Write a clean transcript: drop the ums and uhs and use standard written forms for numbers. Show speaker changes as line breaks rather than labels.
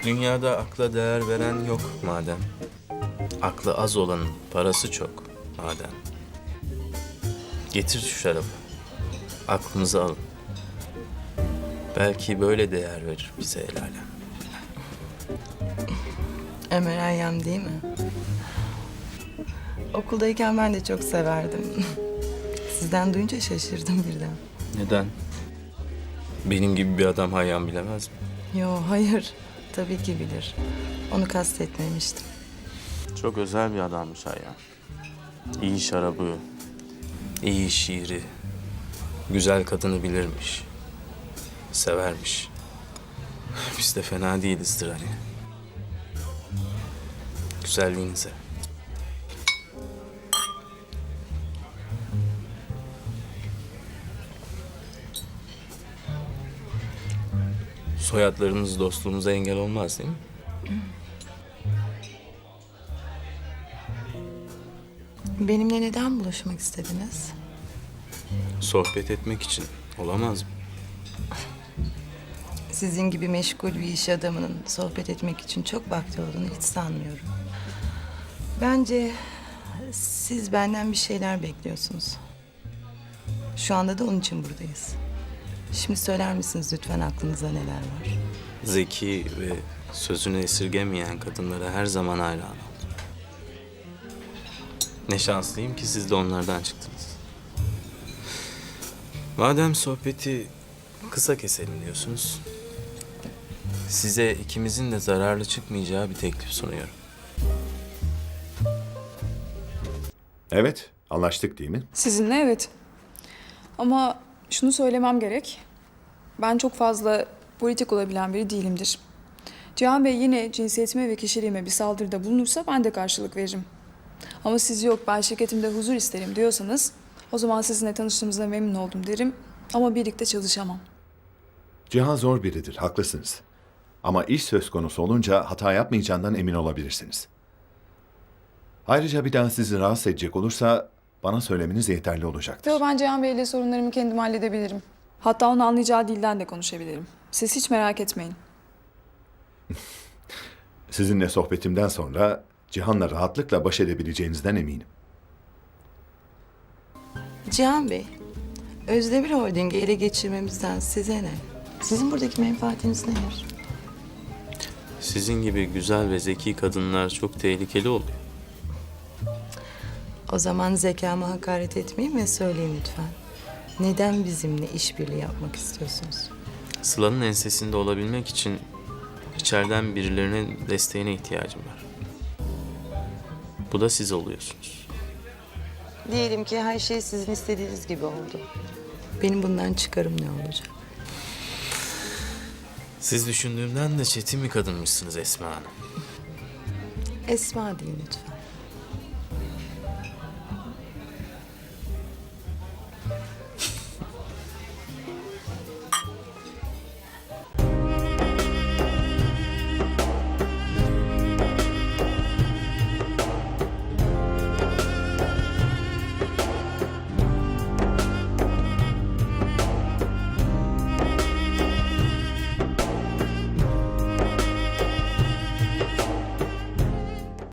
Dünyada akla değer veren yok madem. Aklı az olanın parası çok madem. Getir şu şarabı. Aklımızı alın. Belki böyle değer verir bize el alem.
Ömer Hayyam değil mi? Okuldayken ben de çok severdim. Sizden duyunca şaşırdım birden.
Neden? Benim gibi bir adam Hayyam bilemez mi?
Yo, hayır. Tabii ki bilir. Onu kastetmemiştim.
Çok özel bir adammış Hayyam. İyi şarabı, iyi şiiri, güzel kadını bilirmiş. Severmiş. Biz de fena değilizdir hani. Güzelliğinize. Soyadlarınız dostluğumuza engel olmaz değil mi?
Benimle neden buluşmak istediniz?
Sohbet etmek için olamaz mı?
Sizin gibi meşgul bir iş adamının sohbet etmek için çok vakti olduğunu hiç sanmıyorum. Bence siz benden bir şeyler bekliyorsunuz. Şu anda da onun için buradayız. Şimdi söyler misiniz lütfen aklınıza neler var?
Zeki ve sözünü esirgemeyen kadınlara her zaman hayran oldum. Ne şanslıyım ki siz de onlardan çıktınız. Madem sohbeti kısa keselim diyorsunuz, size ikimizin de zararlı çıkmayacağı bir teklif sunuyorum.
Evet, anlaştık değil mi?
Sizinle evet. Ama şunu söylemem gerek. Ben çok fazla politik olabilen biri değilimdir. Cihan Bey yine cinsiyetime ve kişiliğime bir saldırıda bulunursa ben de karşılık veririm. Ama siz yok ben şirketimde huzur isterim diyorsanız o zaman sizinle tanıştığımızda memnun oldum derim ama birlikte çalışamam.
Cihan zor biridir, haklısınız. Ama iş söz konusu olunca hata yapmayacağından emin olabilirsiniz. Ayrıca bir daha sizi rahatsız edecek olursa bana söylemeniz yeterli olacaktır.
Yo ben Cihan Bey'le sorunlarımı kendim halledebilirim. Hatta onun anlayacağı dilden de konuşabilirim. Siz hiç merak etmeyin.
Sizinle sohbetimden sonra Cihan'la rahatlıkla baş edebileceğinizden eminim.
Cihan Bey, Özdemir Holding'i ele geçirmemizden size ne? Sizin buradaki menfaatiniz nedir?
Sizin gibi güzel ve zeki kadınlar çok tehlikeli oluyor.
O zaman zekama hakaret etmeyin ve söyleyin lütfen. Neden bizimle işbirliği yapmak istiyorsunuz?
Sıla'nın ensesinde olabilmek için içeriden birilerinin desteğine ihtiyacım var. Bu da siz oluyorsunuz.
Diyelim ki her şey sizin istediğiniz gibi oldu. Benim bundan çıkarım ne olacak?
Siz düşündüğümden de çetin bir kadınmışsınız Esma Hanım.
Esma deyin lütfen.